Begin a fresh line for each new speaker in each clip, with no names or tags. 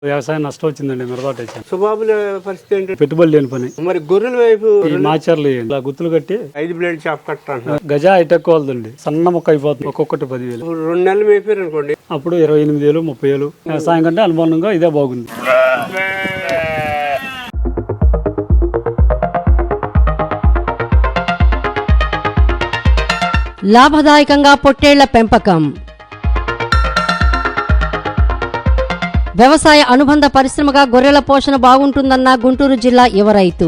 వ్యవసాయం నష్టం వచ్చిందండి. మిరపాటు వచ్చాను.
సుబాబుల పరిస్థితి ఏంటి?
పెట్టుబడి లేని పని.
మరి గొర్రెల వైపు
ఈ మాచర్లు ఇలా గుత్తులు కట్టి
5 బ్లేడ్ చాప్ కట్టాను.
గజా హైటెక్ వాళ్ళదండి. సన్న మొక్క అయిపోతుంది. ఒక్కొక్కటి 10,000.
2 నెలలు మేపారు అనుకోండి,
అప్పుడు 28,000 30,000. వ్యవసాయం కంటే అనుమానంగా ఇదే బాగుంది.
లాభదాయకంగా పొట్టేళ్ల పెంపకం. వ్యవసాయ అనుబంధ పరిశ్రమగా గొర్రెల పోషణ బాగుంటుందన్న గుంటూరు జిల్లా యువ రైతు.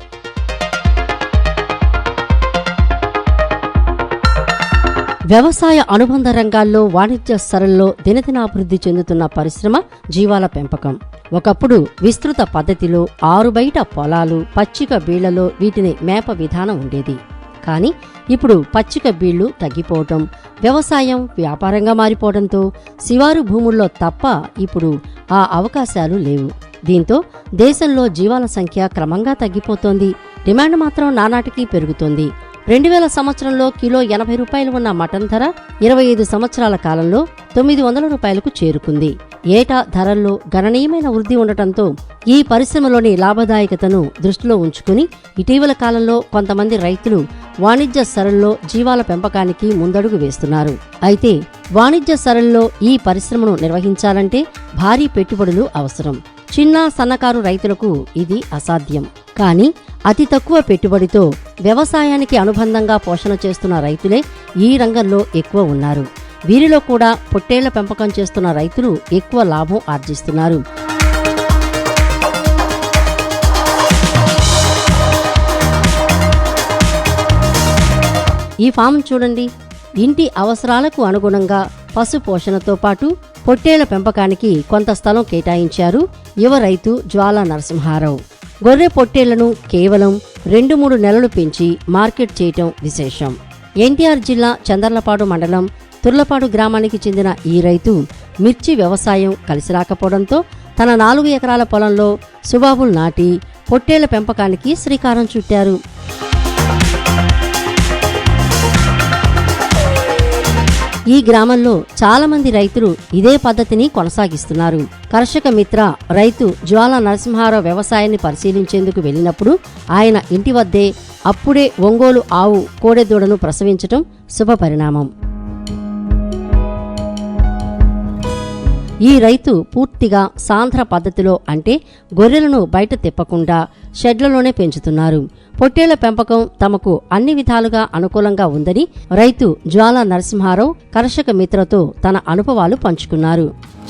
వ్యవసాయ అనుబంధ రంగాల్లో వాణిజ్య స్థలంలో దినదినాభివృద్ధి చెందుతున్న పరిశ్రమ జీవాల పెంపకం. ఒకప్పుడు విస్తృత పద్ధతిలో ఆరుబయట పొలాలు, పచ్చిక బీళ్లలో వీటిని మేప విధానం ఉండేది. కానీ ఇప్పుడు పచ్చిక బీళ్లు తగ్గిపోవటం, వ్యవసాయం వ్యాపారంగా మారిపోవడంతో శివారు భూముల్లో తప్ప ఇప్పుడు ఆ అవకాశాలు లేవు. దీంతో దేశంలో జీవాల సంఖ్య క్రమంగా తగ్గిపోతోంది. డిమాండ్ మాత్రం నానాటికి పెరుగుతోంది. 2000 సంవత్సరంలో కిలో 80 రూపాయలు ఉన్న మటన్ ధర 25 సంవత్సరాల కాలంలో 900 రూపాయలకు చేరుకుంది. ఏటా ధరల్లో గణనీయమైన వృద్ధి ఉండటంతో ఈ పరిశ్రమలోని లాభదాయకతను దృష్టిలో ఉంచుకుని ఇటీవల కాలంలో కొంతమంది రైతులు వాణిజ్య సరళిలో జీవాల పెంపకానికి ముందడుగు వేస్తున్నారు. అయితే వాణిజ్య సరళిలో ఈ పరిశ్రమను నిర్వహించాలంటే భారీ పెట్టుబడులు అవసరం. చిన్న సన్నకారు రైతులకు ఇది అసాధ్యం. కానీ అతి తక్కువ పెట్టుబడితో వ్యవసాయానికి అనుబంధంగా పోషణ చేస్తున్న రైతులే ఈ రంగంలో ఎక్కువ ఉన్నారు. వీరిలో కూడా పొట్టేళ్ల పెంపకం చేస్తున్న రైతులు ఎక్కువ లాభం ఆర్జిస్తున్నారు. ఈ ఫామ్ చూడండి. ఇంటి అవసరాలకు అనుగుణంగా పశు పోషణతో పాటు పొట్టేళ్ల పెంపకానికి కొంత స్థలం కేటాయించారు యువ రైతు జ్వాలా నరసింహారావు. గొర్రె పొట్టేళ్లను కేవలం 2-3 నెలలు పెంచి మార్కెట్ చేయటం విశేషం. ఎన్టీఆర్ జిల్లా చందర్లపాడు మండలం తుర్లపాడు గ్రామానికి చెందిన ఈ రైతు మిర్చి వ్యవసాయం కలిసి రాకపోవడంతో తన 4 ఎకరాల పొలంలో సుబాబులు నాటి పొట్టేళ్ల పెంపకానికి శ్రీకారం చుట్టారు. ఈ గ్రామంలో చాలా మంది రైతులు ఇదే పద్ధతిని కొనసాగిస్తున్నారు. కర్షక మిత్ర రైతు జ్వాలా నరసింహారావు వ్యవసాయాన్ని పరిశీలించేందుకు వెళ్లినప్పుడు ఆయన ఇంటి వద్దే అప్పుడే ఒంగోలు ఆవు కోడెదూడను ప్రసవించటం శుభపరిణామం. ఈ రైతు పూర్తిగా సాంద్ర పద్ధతిలో, అంటే గొర్రెలను బయట తిప్పకుండా షెడ్లలోనే పెంచుతున్నారు. పొట్టేళ్ల పెంపకం తమకు అన్ని విధాలుగా అనుకూలంగా ఉందని రైతు జ్వాలా నరసింహారావు కర్షక మిత్రతో తన అనుభవాలు పంచుకున్నారు.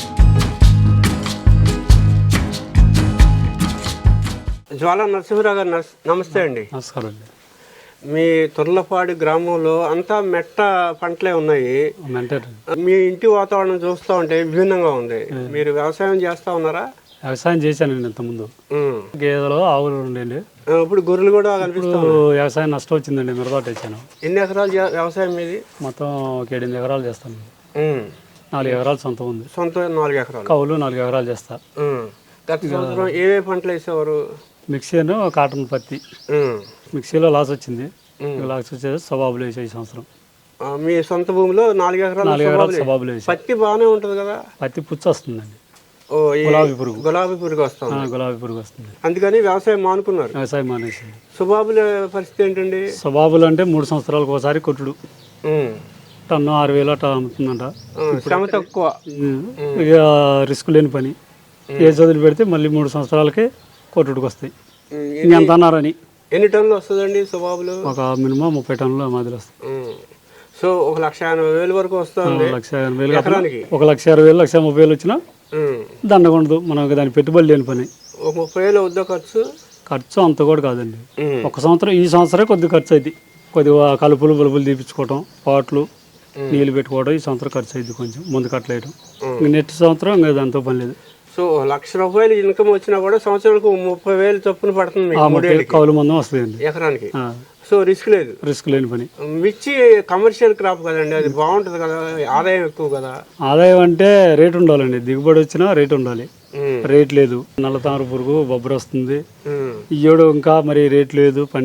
జ్వాలా నరసింహారావు గారు నమస్తే అండి.
నమస్కారం అండి.
మీ తుర్లపాడు గ్రామంలో అంతా మెట్ట పంటలే ఉన్నాయి. మీ ఇంటి వాతావరణం చూస్తూ ఉంటే విభిన్నంగా ఉంది. మీరు వ్యవసాయం చేస్తా ఉన్నారా?
వ్యవసాయం చేశానండి ఇంతకుముందు. గేదెలు ఆవులు ఉండేది.
ఇప్పుడు గొర్రెలు కూడా కనిపిస్తాయి.
వ్యవసాయం నష్టం వచ్చిందండి. మిరపాటు వచ్చాను.
ఎన్ని ఎకరాలు వ్యవసాయం మీది?
మొత్తం 8 ఎకరాలు చేస్తాను. 4 ఎకరాలు సొంతం ఉంది.
సొంత 4 ఎకరాలు.
కౌలు 4 ఎకరాలు చేస్తా.
గత సంవత్సరం ఏవే పంటలు వేసేవారు?
మిక్సీను, కాటన్, పత్తి. మిక్సీలో లాస్ వచ్చింది. లాస్ వచ్చేది సబాబులు వేసే ఈ సంవత్సరం.
మీ సొంత భూమిలో 4 ఎకరాలు
సబాబులు వేసి.
పత్తి బాగానే ఉంటుంది కదా?
పత్తి పుచ్చు వస్తుందండి. గులాబీ పురుగు వస్తుంది.
అందుకని వ్యవసాయం మానుకున్నారు.
వ్యవసాయం మానేసింది.
సుబాబుల పరిస్థితి ఏంటండి?
సుబాబులు అంటే 3 సంవత్సరాలకు ఒకసారి కొట్టుడు. టన్ను 6,000 అట్లా అమ్ముతుందంట.
శ్రమ తక్కువ,
ఇక రిస్క్ లేని పని. ఏ చదువులు పెడితే మళ్ళీ 3 సంవత్సరాలకే కొట్టుడికి వస్తాయి. ఎంత అన్నారని.
ఎన్ని టన్నులు వస్తుందండి సుబాబులు?
ఒక మినిమం 30 టన్నుల మాదిరి వస్తాయి.
సో 1,80,000 వరకు వస్తుంది.
1,80,000 ఎకరానికి. 1,60,000 1,30,000 వచ్చినా దండగొండదు. మనకు దాని పెట్టుబడి లేని పని.
30,000 అవుద్దా ఖర్చు?
అంత కూడా కాదండి. ఒక సంవత్సరం, ఈ సంవత్సరం కొద్దిగా ఖర్చు అయింది. కొద్దిగా కలుపులు బలుపులు తీపించుకోవటం, పాట్లు నీళ్ళు పెట్టుకోవడం ఈ సంవత్సరం ఖర్చు అయింది. కొంచెం ముందు కట్టలేయడం. నెక్స్ట్ సంవత్సరం ఇంకా దాంతో పని లేదు.
సో 1,00,000 రూపాయలు ఇన్కమ్ వచ్చినా కూడా సంవత్సరానికి 30,000 చొప్పున పడుతుంది.
కౌలు మందం వస్తుంది
ఎకరానికి. సో రిస్క్ లేదు.
రిస్క్ లేని పని.
మిర్చి కమర్షియల్ క్రాప్ కదండి, అది బాగుంటది కదా, ఆదాయం ఎక్కువ కదా?
ఆదాయం అంటే రేటు ఉండాలండి. దిగుబడి వచ్చినా రేటు ఉండాలి. రేట్ లేదు. నల్ల తామర పురుగు బొబ్బర వస్తుంది. ఇయ్యోడు ఇంకా మరి రేట్ లేదు. పడినా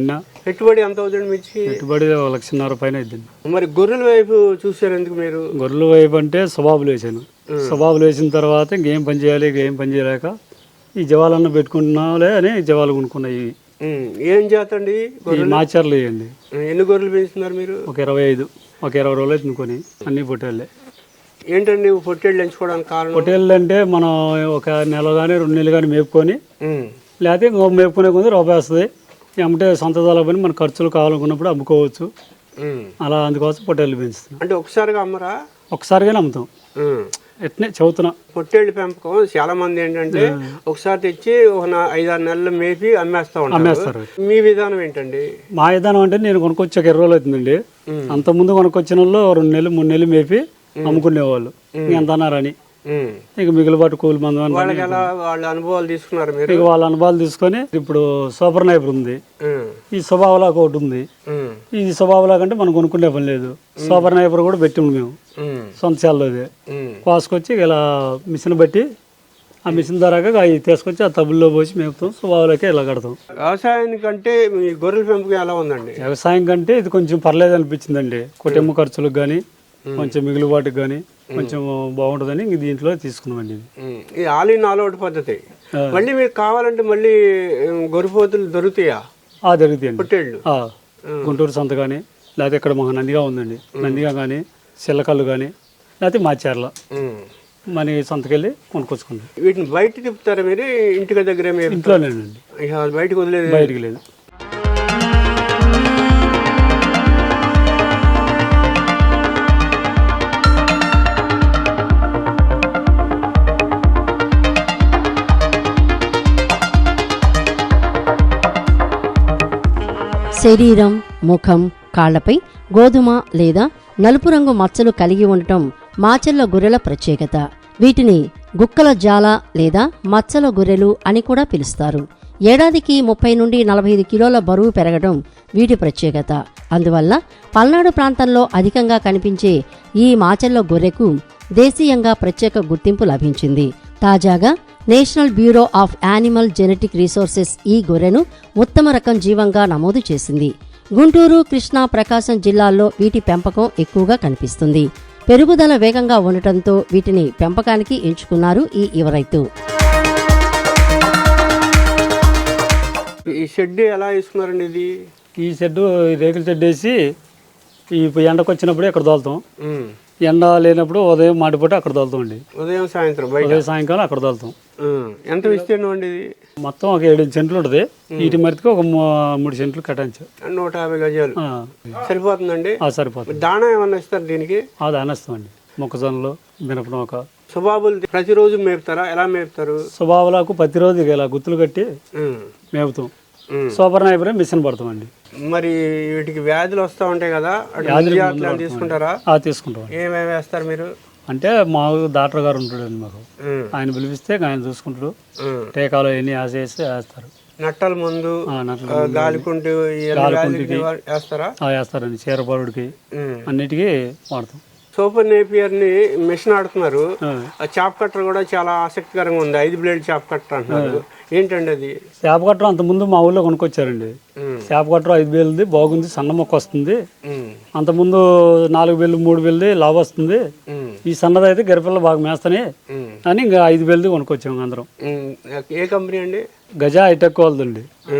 పెట్టుబడి ఎంత అవుతుంది మిర్చి?
పెట్టుబడి 1,50,000 పైన అయిద్దండి.
మరి గొర్రెల వైపు చూసారు ఎందుకు మీరు?
గొర్రెల వైపు అంటే స్వభావాలు వేసాను. స్వభావాలు వేసిన తర్వాత ఇంకేం పని చేయాలి, ఇంకేం పని చేయలేక ఈ జవాలన్న పెట్టుకుంటున్నాలే అని జవాలు కొనుక్కున్నాయి.
ఏం జాత అండి?
మాచర్లు వేయండి.
ఎన్ని గొర్రెలు పెంచుతున్నారు మీరు?
ఒక 25, ఒక 20 రోజులు తినుకొని అన్ని పొట్టేళ్ళే.
ఏంటండి పొట్టేళ్ళు ఎంచుకోవడానికి కారణం?
పొట్టేళ్ళు అంటే మనం ఒక నెల కానీ 2 నెలలు కానీ మేపుకొని, లేకపోతే ఇంకో మేపుకునే కొంచెం రూపాయి వస్తుంది. ఏమంటే సొంత దళ పని మన ఖర్చులు కావాలనుకున్నప్పుడు అమ్ముకోవచ్చు. అలా అందుకోసం పొట్టేళ్ళు పెంచుతున్నాం.
అంటే ఒకసారిగా అమ్మరా?
ఒకసారిగానే అమ్ముతాం. ఎట్నే చదువుతున్నా.
పొట్టేళ్ళు పెంపకం చాలా మంది ఏంటంటే ఒకసారి తెచ్చి ఒక 5-6 నెలలు మేపి అమ్మేస్తారు. మీ విధానం ఏంటండి?
మా విధానం అంటే నేను కొనుక్కొచ్చి ఒక 20 రోజులు అవుతుందండి. అంత ముందు కొనుక్కొచ్చిన వాళ్ళు 2 నెలలు 3 నెలలు మేపి అమ్ముకునేవాళ్ళు. ఎంత అన్నారని ఇక మిగిలిబాటు కూలి మంది
వాళ్ళ అనుభవాలు తీసుకున్నారు మీరు?
ఇక వాళ్ళ అనుభవాలు తీసుకొని ఇప్పుడు సూపర్ నైపర్ ఉంది, ఈ స్వభావలాగా ఒకటి ఉంది. ఈ స్వభావలాగా అంటే మనం కొనుక్కునే పని లేదు. సూపర్ నైపర్ కూడా పెట్టిండు మేము సొంత చాలలోదే కోసుకొచ్చి ఇలా మిషన్ బట్టి ఆ మిషన్ ద్వారాగా అవి తీసుకొచ్చి ఆ తబ్బుల్లో పోసి మేపుతాం. స్వభావాలకే ఇలా కడతాం.
వ్యవసాయానికంటే మీ గొర్రెల పెంపకం ఎలా ఉందండి?
వ్యవసాయం కంటే ఇది కొంచెం పర్లేదు అనిపించిందండి. కుటుంబ ఖర్చులకు కానీ కొంచెం మిగులుబాటుకు కానీ కొంచెం బాగుంటుందని ఇంక దీంట్లో తీసుకున్నామండి.
ఇది ఆల్ ఇన్ ఆల్ అవుట్ పద్ధతి. మళ్ళీ మీకు కావాలంటే మళ్ళీ గొర్రెపోతులు దొరుకుతాయా?
దొరుకుతాయండి.
పొట్టేళ్ళు
గుంటూరు సంత కానీ, లేకపోతే ఇక్కడ మాకు నందిగా ఉందండి, నందిగా కానీ, చిల్లకల్లు కానీ, లేకపోతే మాచర్ల మన సంతకెళ్ళి కొనుక్కొచ్చుకుంటాం.
వీటిని బయట తిప్పుతారా మీరు? ఇంటికి దగ్గర
ఇంట్లోనేనండి,
బయటకు వదిలేదు?
బయటికి లేదు.
శరీరం, ముఖం, కాళ్లపై గోధుమ లేదా నలుపు రంగు మచ్చలు కలిగి ఉండటం మాచర్ల గొర్రెల ప్రత్యేకత. వీటిని గుక్కల జాల లేదా మచ్చల గొర్రెలు అని కూడా పిలుస్తారు. ఏడాదికి 30 నుండి 45 కిలోల బరువు పెరగడం వీటి ప్రత్యేకత. అందువల్ల పల్నాడు ప్రాంతంలో అధికంగా కనిపించే ఈ మాచర్ల గొర్రెకు దేశీయంగా ప్రత్యేక గుర్తింపు లభించింది. తాజాగా national bureau of animal genetic resources ఈ గొర్రెను ఉత్తమ రకం జీవంగా నమోదు చేసింది. గుంటూరు, కృష్ణా, ప్రకాశం జిల్లాల్లో వీటి పెంపకం ఎక్కువగా కనిపిస్తుంది. పెరుగుదల వేగంగా ఉండటంతో వీటిని పెంపకానికి ఎంచుకున్నారు ఈ యువ రైతు.
ఈ షెడ్ ఎలా వేసుకున్నారండి? ఇది
ఈ షెడ్ రేకుల షెడ్ వేసి ఈ ఎండకు వచ్చినప్పుడే ఇక్కడ తోలుతాం. ఎండ లేనప్పుడు ఉదయం మాటిపోతే అక్కడ తోలుతాం అండి.
ఉదయం సాయంత్రం
సాయంకాలం అక్కడ తోలుతాం.
ఎంత విస్తీర్ణం అండి ఇది?
మొత్తం ఒక 7 సెంట్లు ఉంటుంది. వీటి మరితికి ఒక 3 సెంట్లు కట్టించు.
150 గజాలు సరిపోతుందండి?
సరిపోతుంది.
దాణా ఏమన్నా ఇస్తారు దీనికి?
దానేస్తామండి. మొక్కజొన్నలు, మినపనొక.
స్వభావాలు ప్రతిరోజు మేపుతారా? ఎలా మేపుతారు?
స్వభావాలకు ప్రతిరోజు ఇలా గుత్తులు కట్టి మేపుతాం. సూపర్ నైపర్ మిషన్ పడతామండి.
మరి వీటికి వ్యాధులు వస్తూ ఉంటాయి కదా, తీసుకుంటారా?
తీసుకుంటాం.
ఏమేమి వేస్తారు మీరు?
అంటే మా డాక్టర్ గారు ఉంటాడండి మాకు, ఆయన పిలిపిస్తే ఆయన చూసుకుంటాడు. టీకాలు ఎన్ని వేసేసి వేస్తారు.
నట్టల ముందు గాలికుంటి వేస్తారా?
వేస్తారండి. చీరపరుడికి అన్నిటికీ వాడతాం.
సూపర్ నేపియర్ ని మిషన్ ఆడుతున్నారు. చాప్ కట్టర్ కూడా చాలా ఆసక్తికరంగా ఉంది. 5 బ్లేడ్ చాప్ కట్టర్ అంటున్నారు. ఏంటండి అది?
చేప కట్టర్ అంత ముందు మా ఊళ్ళో కొనుక్కొచ్చారండి. చేప కట్టర్ 5 వేలది బాగుంది, సన్న మొక్క వస్తుంది. అంత ముందు 4 వేలు 3 వేలది లాభ వస్తుంది. ఈ సన్నది అయితే గరిపిల్ల బాగా మేస్తానే అని ఇంకా 5 వేలది కొనుక్కొచ్చాము అందరం.
ఏ కంపెనీ అండి?
గజా హైటెక్ వాళ్ళదండి.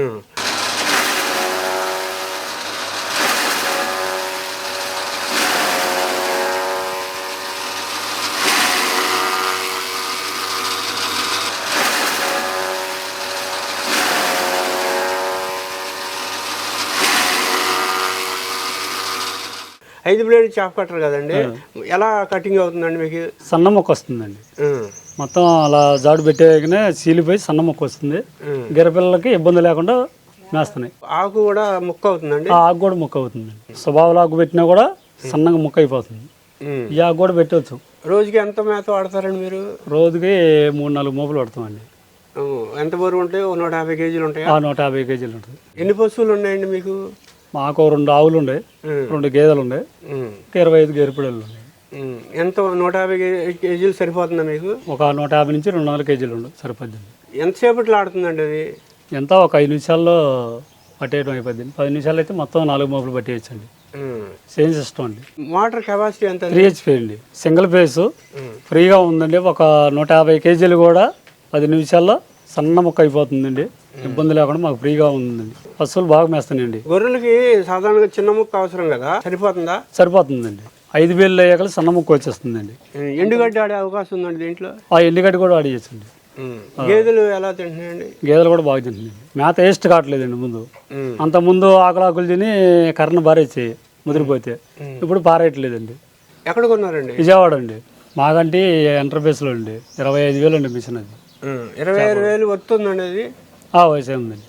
ఐదు బ్లేడ్ చాప్ కట్టర్ కదండి, ఎలా కటింగ్ అవుతుందండి మీకు?
సన్న మొక్క వస్తుందండి. మొత్తం అలా జాడు పెట్టేగానే చీలిపోయి సన్న మొక్క వస్తుంది. గిరపిల్లలకి ఇబ్బంది లేకుండా మేస్తున్నాయి.
ఆకు కూడా ముక్క అవుతుందండి?
ఆకు కూడా ముక్క అవుతుంది. స్వభావాల ఆకు పెట్టినా కూడా సన్నగా ముక్క అయిపోతుంది. ఈ ఆకు కూడా పెట్టవచ్చు.
రోజుకి ఎంత మేత వాడతారండి మీరు?
రోజుకి 3-4 మోపులు పడతామండి.
ఎంత బరువు ఉంటాయి? 150 కేజీలు ఉంటాయి.
150 కేజీలు ఉంటుంది.
ఎన్ని పశువులు ఉన్నాయండి మీకు?
మాకు 2 ఆవులు ఉండే, 2 గేదెలు ఉండే, 25 గేరుపిడలు ఉన్నాయి.
ఎంత 150 కేజీలు సరిపోతుందా మీకు?
ఒక 150 నుంచి 200 కేజీలు ఉండు సరిపోద్ది.
ఎంతసేపట్లో ఆడుతుందండి అది?
ఎంత ఒక 5 నిమిషాల్లో పట్టేయడం అయిపోద్ది. 10 నిమిషాలు అయితే మొత్తం 4 మోపులు పట్టేయచ్చండి. సేమ్ సిస్టమ్ అండి.
మోటార్ కెపాసిటీ ఎంత?
3 HP అండి. సింగిల్ ఫేస్ ఫ్రీగా ఉందండి. ఒక 150 కేజీలు కూడా 10 నిమిషాల్లో సన్న ముక్క అయిపోతుందండి. ఇబ్బంది లేకుండా మాకు ఫ్రీగా ఉందండి. పశువులు బాగా మేస్తానండి.
గొర్రెలకి సాధారణంగా చిన్న ముక్క అవసరం కదా, సరిపోతుందా?
సరిపోతుందండి. 5 వేలు అయ్యాక సన్న ముక్క వచ్చేస్తుందండి.
ఎండుగడ్డి ఆడే అవకాశం ఉందండి దీంట్లో?
ఆ ఎండుగడ్డి కూడా ఆడియచ్చండి.
గేదెలు ఎలా తింటున్నాయండి?
గేదెలు కూడా బాగా తింటున్నాయండి. మేత వేస్ట్ కావట్లేదండి. ముందు అంత ముందు ఆకులాకులు తిని కర్రను బారేచ్చాయి ముదిరిపోతే, ఇప్పుడు పారేయట్లేదండి.
ఎక్కడ కొన్నారండి?
విజయవాడ అండి. మాకంటే ఎంటర్ప్రైజ్లో అండి. 25,000 అండి మిషన్ అది.
25,000 వస్తుందండి అది?
వయసే ఉందండి.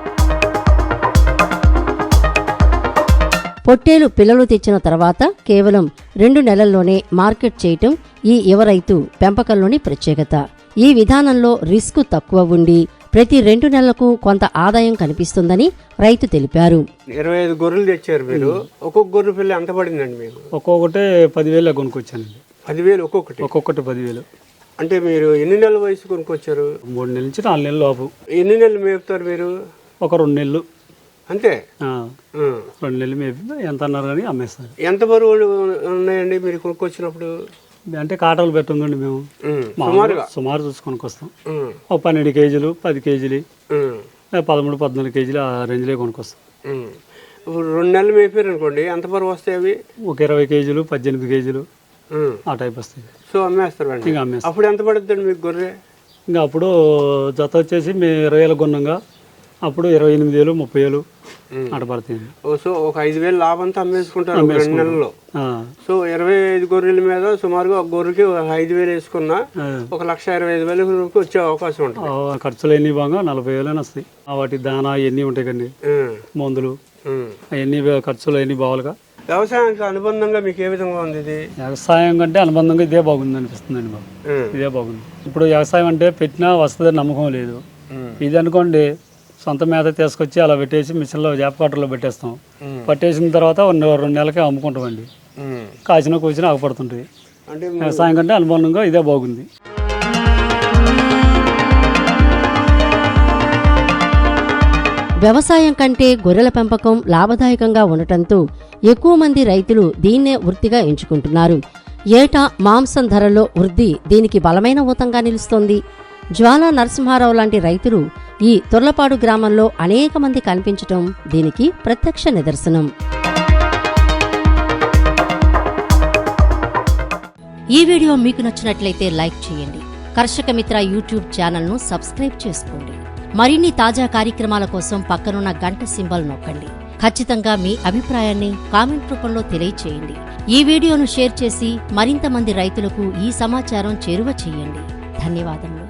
పొట్టేలు పిల్లలు తెచ్చిన తర్వాత కేవలం 2 నెలల్లోనే మార్కెట్ చేయటం ఈ యువ రైతు పెంపకంలోని ప్రత్యేకత. ఈ విధానంలో రిస్క్ తక్కువ ఉండి ప్రతి 2 నెలలకు కొంత ఆదాయం కనిపిస్తుందని రైతు తెలిపారు.
25 గొర్రెలు తెచ్చారు మీరు. ఒక్కొక్క గొర్రె పిల్ల ఎంత పడిందండి మీకు?
ఒక్కొక్కటి 10,000 కొనుక్కొచ్చానండి.
10,000 ఒక్కొక్కటి?
ఒక్కొక్కటి 10,000.
అంటే మీరు ఎన్ని నెలల వయసు కొనుక్కొచ్చారు?
3 నెలల నుంచి 4 నెలల లోపు.
ఎన్ని నెలలు మేపుతారు మీరు?
ఒక 2 నెలలు
అంతే.
2 నెలలు మేపి ఎంత అన్నారు కానీ అమ్మేస్తారు.
ఎంత బరువులు ఉన్నాయండి మీరు కొనుక్కొచ్చినప్పుడు?
అంటే కాటాలు పెట్టండి మేము. సుమారు చూసి కొనుక్కొస్తాం. ఒక 12 కేజీలు, 10 కేజీలు, 13, 14 కేజీలు ఆ రేంజ్లో కొనుక్కొస్తాం.
ఇప్పుడు 2 నెలలు మేపారు అనుకోండి, ఎంత బరువు వస్తాయి అవి?
ఒక 20 కేజీలు, 18 కేజీలు ఆ టైప్ వస్తాయి.
సో అమ్మేస్తారు.
ఇంకా అమ్మేస్తాం.
అప్పుడు ఎంత పడుతుందండి మీకు గొర్రె?
ఇంకా అప్పుడు జత వచ్చేసి మేము 20,000 కొన్నాగా అప్పుడు 28,000, 30,000 అటు పడుతుంది.
సో ఒక 5,000 లాభంతో అమ్మేసుకుంటారు 2 నెలల్లో. సో 25 గొర్రెల మీద సుమారుగా ఒక గొర్రెకి 5,000 వేసుకున్నా 1,25,000 వచ్చే అవకాశం ఉంటుంది.
ఖర్చులు ఎన్ని బాగా 40,000 వస్తాయి. వాటి దానా ఇవన్నీ ఉంటాయి కండి, మందులు అవన్నీ ఖర్చులు అన్ని బావాలిగా.
వ్యవసాయానికి అనుబంధంగా మీకు ఏ విధంగా ఉంది ఇది?
వ్యవసాయం కంటే అనుబంధంగా ఇదే బాగుంది అనిపిస్తుందండి మాకు. ఇదే బాగుంది. ఇప్పుడు వ్యవసాయం అంటే పెట్టినా వస్తుందని నమ్మకం లేదు. ఇది అనుకోండి సొంత మేత తీసుకొచ్చి అలా పెట్టేసి మిషన్లో జాబ్ కట్టర్లో పెట్టేస్తాం. పట్టేసిన తర్వాత 2 నెలలకే అమ్ముకుంటామండి. కాసిన కూర్చుని ఆగపడుతుంటాయి. అంటే వ్యవసాయం కంటే అనుబంధంగా ఇదే బాగుంది.
వ్యవసాయం కంటే గొర్రెల పెంపకం లాభదాయకంగా ఉండటంతో ఎక్కువ మంది రైతులు దీన్నే వృత్తిగా ఎంచుకుంటున్నారు. ఏటా మాంసం ధరల్లో వృద్ధి దీనికి బలమైన ఊతంగా నిలుస్తోంది. జ్వాలా నరసింహారావు లాంటి రైతులు ఈ తొర్లపాడు గ్రామంలో అనేక మంది కనిపించటం దీనికి ప్రత్యక్ష నిదర్శనం. ఈ వీడియో మీకు నచ్చినట్లయితే లైక్ చేయండి. కర్షక మిత్ర యూట్యూబ్ ఛానల్ను సబ్స్క్రైబ్ చేసుకోండి. మరిన్ని తాజా కార్యక్రమాల కోసం పక్కనున్న గంట సింబల్ నొక్కండి. ఖచ్చితంగా మీ అభిప్రాయాన్ని కామెంట్ రూపంలో తెలియచేయండి. ఈ వీడియోను షేర్ చేసి మరింత మంది రైతులకు ఈ సమాచారం చేరువ చేయండి. ధన్యవాదములు.